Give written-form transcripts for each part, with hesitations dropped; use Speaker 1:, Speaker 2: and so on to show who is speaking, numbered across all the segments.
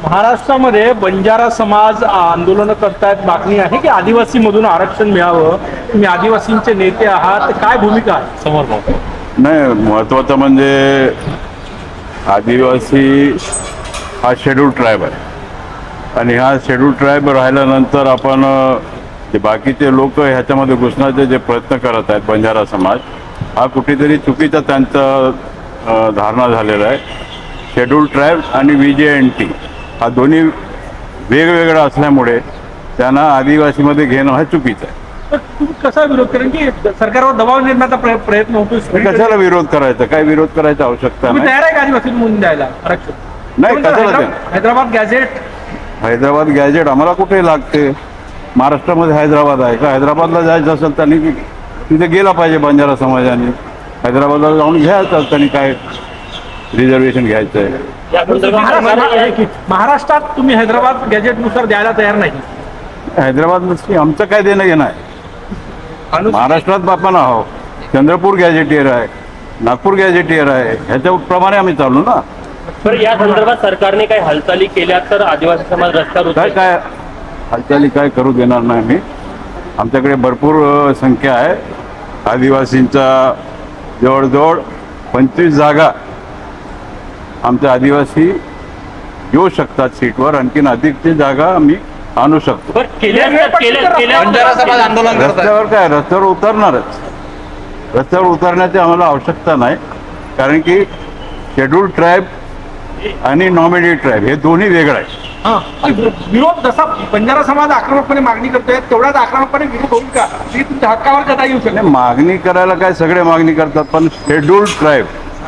Speaker 1: महाराष्ट्रामध्ये बंजारा समाज आंदोलन करतायत, मागणी आहे की आदिवासी मधून आरक्षण मिळावं. तुम्ही आदिवासींचे नेते आहात, काय भूमिका आहे समोर?
Speaker 2: नाही, महत्त्वाचं म्हणजे आदिवासी हा शेड्यूल ट्राईब आहे आणि हा शेड्यूल ट्राईब राहिल्यानंतर आपण जे बाकीचे लोक ह्याच्यामध्ये घुसण्याचे जे प्रयत्न करत आहेत, बंजारा समाज हा कुठेतरी चुकीचा त्यांचा धारणा झालेला आहे. शेड्यूल ट्राईब आणि VJNT हा दोन्ही वेगवेगळा असल्यामुळे त्यांना आदिवासीमध्ये घेणं हा चुकीचं आहे.
Speaker 1: तर तुम्ही कसा विरोध करेन की सरकारवर दबाव निर्माणाचा प्रयत्न होतो?
Speaker 2: कशाला विरोध करायचा? काय विरोध करायची आवश्यकता
Speaker 1: तुम्ही
Speaker 2: नाही.
Speaker 1: तयार आहे का आदिवासी म्हणून द्यायला आरक्षण?
Speaker 2: नाही, कशाला द्या?
Speaker 1: हैदराबाद गॅझेट,
Speaker 2: हैदराबाद गॅजेट आम्हाला कुठे लागते? महाराष्ट्रामध्ये हैदराबाद आहे का? हैदराबादला जायचं असेल त्यांनी तिथे गेला पाहिजे बंजारा समाजाने. हैदराबादला जाऊन घ्यायचं त्यांनी, काय रिझर्वेशन घ्यायचं आहे.
Speaker 1: महाराष्ट्रात तुम्ही हैदराबाद गॅझेटनुसार द्यायला तयार नाही?
Speaker 2: हैदराबाद आमचं काय देणं घेणं आहे? महाराष्ट्रात आपण आहोत. चंद्रपूर गॅजेटियर आहे, नागपूर गॅजेटियर आहे, ह्याच्याप्रमाणे आम्ही चालू ना.
Speaker 3: तर या संदर्भात सरकारने काही हालचाली केल्या तर आदिवासी समाज रस्त्यावर
Speaker 2: काय काय हालचाली काय करू देणार नाही मी. आमच्याकडे भरपूर संख्या आहे आदिवासींचा. जवळजवळ 25 जागा आमच्या आदिवासी येऊ शकतात सीटवर. आणखीन अधिकची जागा आम्ही आणू शकतो.
Speaker 3: बंजारा समाज आंदोलन
Speaker 2: रस्त्यावर काय, रस्त्यावर उतरणारच. रस्त्यावर उतरण्याची आम्हाला आवश्यकता नाही, कारण की शेड्यूल ट्राईब आणि नॉमिनी ट्राईब हे दोन्ही वेगळं आहे.
Speaker 1: विरोध जसा बंजारा समाज आक्रमकपणे मागणी करतोय, तेवढ्याच आक्रमकपणे विरोध होईल का? की तुमच्या हक्कावर कदा येऊ शकत?
Speaker 2: मागणी करायला काय सगळे मागणी करतात, पण शेड्यूल ट्राईब,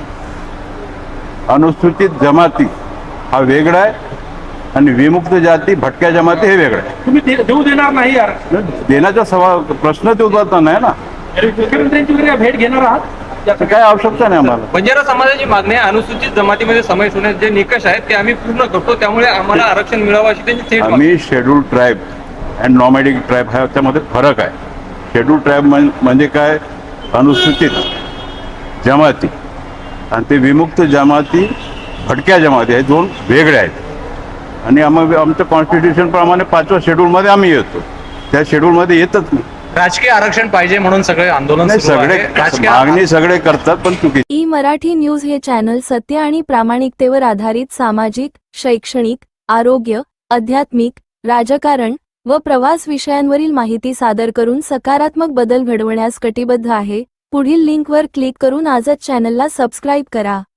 Speaker 2: अनुसूचित जमाती हा वेगळा आहे आणि विमुक्त जाती, भटक्या जमाती हे वेगळं आहे.
Speaker 1: तुम्ही देऊ देणार नाही यार?
Speaker 2: देण्याचा प्रश्न ते उद्भवता नाही ना.
Speaker 1: मुख्यमंत्र्यांची वगैरे भेट घेणार आहात?
Speaker 2: त्याची काय आवश्यकता नाही आम्हाला.
Speaker 4: बंजारा समाजाची मागणी आहे, अनुसूचित जमातीमध्ये समावेश होण्याचे जे निकष आहेत ते आम्ही पूर्ण करतो, त्यामुळे आम्हाला आरक्षण मिळावं अशी त्यांची थेट मागणी.
Speaker 2: आम्ही schedule tribe and nomadic tribe ह्याच्यामध्ये फरक आहे. शेड्यूल ट्राईब म्हणजे काय, अनुसूचित जमाती, आणि ते विमुक्त जमाती, भटक्या जमाती हे दोन वेगळे आहेत. आणि आमच्या कॉन्स्टिट्यूशन प्रमाणे 5व्या शेड्यूलमध्ये आम्ही येतो, त्या शेड्यूलमध्ये येतच नाही.
Speaker 4: राजकीय आरक्षण पाहिजे म्हणून सगळे आंदोलन
Speaker 2: सगळे मागणी सगळे करतात, पण चुकी.
Speaker 5: ई मराठी न्यूज हे चॅनल सत्य आणि प्रामाणिकतेवर आधारित सामाजिक, शैक्षणिक, आरोग्य, आध्यात्मिक, राजकारण व प्रवास विषयांवरील माहिती सादर करून सकारात्मक बदल घडवण्यास कटिबद्ध आहे. पुढील लिंकवर क्लिक करून आजच चॅनलला सबस्क्राईब करा.